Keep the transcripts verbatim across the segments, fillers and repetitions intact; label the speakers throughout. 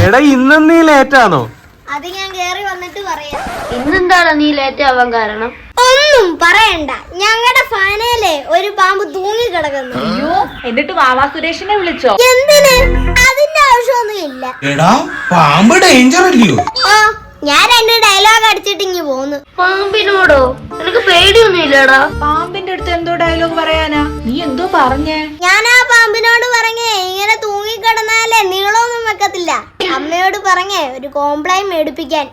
Speaker 1: എടാ ഇന്ന് നീ ലേറ്റാണോ?
Speaker 2: അത് ഞാൻ കേറി വന്നിട്ട് പറയാം.
Speaker 3: ഇന്നെന്താണ് നീ ലേറ്റ് ആവാൻ കാരണം?
Speaker 2: ഒന്നും പറയണ്ട, ഞങ്ങളുടെ ഫാനയിലെ ഒരു പാമ്പ് തൂങ്ങി കിടക്കുന്നു.
Speaker 4: അയ്യോ, എന്നിട്ട് വാവാ സുരേഷിനെ വിളിച്ചോ?
Speaker 2: എന്തിന്? അതിന്റെ ആവശ്യമൊന്നും ഇല്ല.
Speaker 5: എടാ പാമ്പ് ഡേഞ്ചർ അല്ലയോ?
Speaker 2: ഓ, ഞാൻ രണ്ട് ഡയലോഗ് അടിച്ചിട്ട് ഇങ്ങ് പോന്നു.
Speaker 3: പാമ്പിനോടോ? നിനക്ക് പേടിയൊന്നും ഇല്ലടാ?
Speaker 4: പാമ്പിന്റെ അടുത്ത് എന്തോ ഡയലോഗ് പറയാനാ? നീ എന്തോ പറഞ്ഞേ?
Speaker 2: ഞാൻ ആ പാമ്പിനോട് പറഞ്ഞേ ഇങ്ങനെ തൂങ്ങിക്കിടന്നാലേ നീളമൊന്നും വെക്കത്തില്ല. അമ്മയോട് പറഞ്ഞേ ഒരു കോംപ്ലൈൻ മേടിപ്പിക്കാൻ.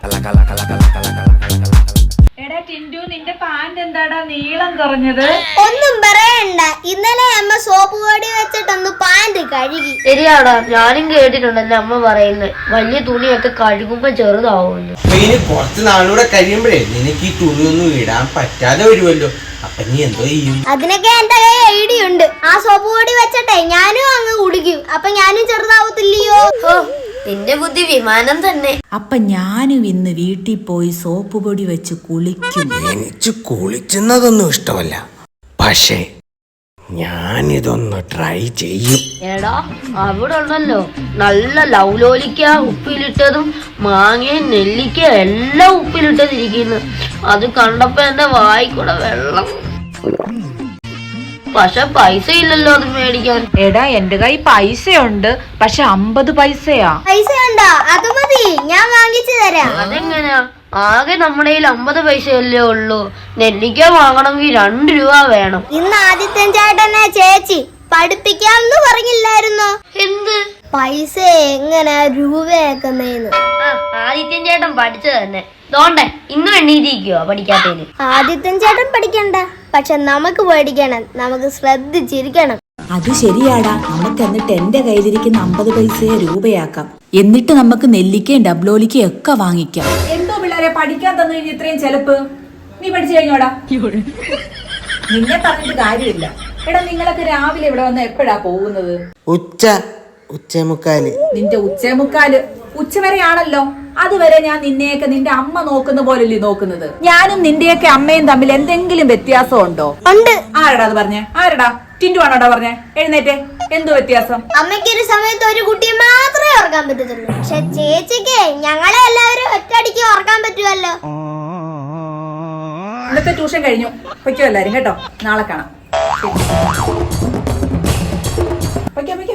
Speaker 4: എടാ ടിൻഡു, നിന്റെ പാന്റ് എന്താടാ നീളം കുറഞ്ഞത്?
Speaker 2: ഒന്നും പറയണ്ട, ഇന്നലെ അമ്മ സോപ്പ് പൊടി വെച്ചിട്ടൊന്ന് പാന്റ് കഴുകി.
Speaker 3: ശരിയാടാ, ഞാനും കേട്ടിട്ടുണ്ട് എന്റെ അമ്മ പറയുന്നത് വലിയ തുണിയൊക്കെ കഴുകുമ്പോ ചെറുതാവുന്നു.
Speaker 5: ഇനി കുറച്ച് നാളൂടെ കഴിയുമ്പോഴേ നിനക്ക് ഈ തുണിയൊന്നും ഇടാൻ പറ്റാതെ വരുമല്ലോ. അപ്പൊ നീ എന്തോ ചെയ്യും?
Speaker 2: അതിനൊക്കെ എന്റെ കൈ ഐഡിയ ഉണ്ട്. ആ സോപ്പ് പൊടി വെച്ചിട്ടെ ഞാനും അങ്ങ് കുടിക്കും. അപ്പൊ ഞാനും ചെറുതാവത്തില്ലയോ?
Speaker 3: നിന്റെ ബുദ്ധി വിമാനം തന്നെ.
Speaker 6: അപ്പൊ ഞാനും ഇന്ന് വീട്ടിൽ പോയി സോപ്പ് പൊടി വെച്ച് കുളിക്കും.
Speaker 5: എനിക്ക് കുളിക്കുന്നതൊന്നും ഇഷ്ടമല്ല, പക്ഷേ ഞാനിതൊന്ന് ട്രൈ ചെയ്യും.
Speaker 3: എടാ, അവിടെ ഉണ്ടല്ലോ നല്ല ലൗലോലിക്ക ഉപ്പിലിട്ടതും മാങ്ങയും നെല്ലിക്ക എല്ലാം ഉപ്പിലിട്ടതിരിക്കുന്നു. അത് കണ്ടപ്പോ എന്റെ വായിക്കൂടെ വെള്ളം. പക്ഷെ പൈസ ഇല്ലല്ലോ അത് മേടിക്കാൻ.
Speaker 4: എടാ, എന്റെ കൈ പൈസയുണ്ട്, പക്ഷെ അമ്പത് പൈസയാ.
Speaker 2: പൈസ ഉണ്ടോ? അത് മതി, ഞാൻ വാങ്ങിച്ചു തരാം.
Speaker 3: അതെങ്ങനെയാ? ആകെ നമ്മുടെ കയ്യിൽ അമ്പത് പൈസയല്ലേ ഉള്ളൂ. നെല്ലിക്ക വാങ്ങണമെങ്കിൽ രണ്ട് രൂപ വേണം.
Speaker 2: ഇന്ന് ആദിത്യൻ ചേട്ടനെ ചേച്ചി പഠിപ്പിക്കാമെന്ന് പറഞ്ഞില്ലായിരുന്നോ?
Speaker 3: എന്ത്
Speaker 2: പൈസ എങ്ങനെ രൂപയാക്കുന്നേന്ന്?
Speaker 3: ആദിത്യൻ ചേട്ടൻ പഠിച്ചത് തന്നെ. തോണ്ടേ ഇന്നും എണ്ണീതിരിക്കുവോ പഠിക്കാത്തതിന്?
Speaker 2: ആദിത്യൻ ചേട്ടൻ പഠിക്കണ്ട, പക്ഷെ നമുക്ക് പഠിക്കണം. നമുക്ക് ശ്രദ്ധിച്ചിരിക്കണം.
Speaker 6: അത് ശരിയാടാ, നമുക്ക് എന്നിട്ട് എന്റെ കയ്യിലിരിക്കുന്ന അമ്പത് പൈസയെ രൂപയാക്കാം. എന്നിട്ട് നമുക്ക് നെല്ലിക്കയും ഡബ്ലോലിക്കയും ഒക്കെ വാങ്ങിക്കാം.
Speaker 4: എന്തോ പിള്ളേരെ പഠിക്കാൻ തന്നു കഴിഞ്ഞ ഇത്രയും ചെലപ്പ്? നീ പഠിച്ചു കഴിഞ്ഞോടാ? നിന്നെ പറഞ്ഞിട്ട് കാര്യമില്ല. എടാ, നിങ്ങളൊക്കെ രാവിലെ ഇവിടെ വന്ന് എപ്പോഴാ പോകുന്നത്?
Speaker 5: ഉച്ച ഉച്ചമുക്കാല്.
Speaker 4: നിന്റെ ഉച്ചമുക്കാല് ഉച്ചവരെയാണല്ലോ. അതുവരെ ഞാൻ നിന്നെയൊക്കെ നിന്റെ അമ്മ നോക്കുന്ന പോലല്ലേ നോക്കുന്നത്. ഞാനും നിന്റെയൊക്കെ അമ്മയും തമ്മിൽ എന്തെങ്കിലും വ്യത്യാസം ഉണ്ടോ?
Speaker 2: ഉണ്ട്.
Speaker 4: ആരടാ അത് പറഞ്ഞേ? ആരടാ? ടിൻഡു ആണോടാ പറഞ്ഞേ? എഴുന്നേറ്റേ. എന്തോ വ്യത്യാസം?
Speaker 2: അമ്മയ്ക്കൊരു സമയത്ത് ഒരു കുട്ടിയെ മാത്രമേ ഓർക്കാൻ പറ്റത്തുള്ളൂ, പക്ഷെ ചേച്ചിക്ക് ഞങ്ങളെ എല്ലാവരും ഒറ്റയടിക്ക് ഓർക്കാൻ പറ്റുമല്ലോ.
Speaker 4: ഇന്നത്തെ ട്യൂഷൻ കഴിഞ്ഞു. പൊയ്ക്കോ എല്ലാരും കേട്ടോ. നാളെ കാണാം. പൊയ്ക്കോ പൊയ്ക്കോ.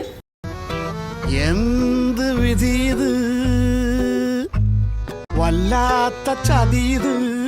Speaker 7: എന്ത് വിധി ഇത്, വല്ലാത്ത ചതിയത്.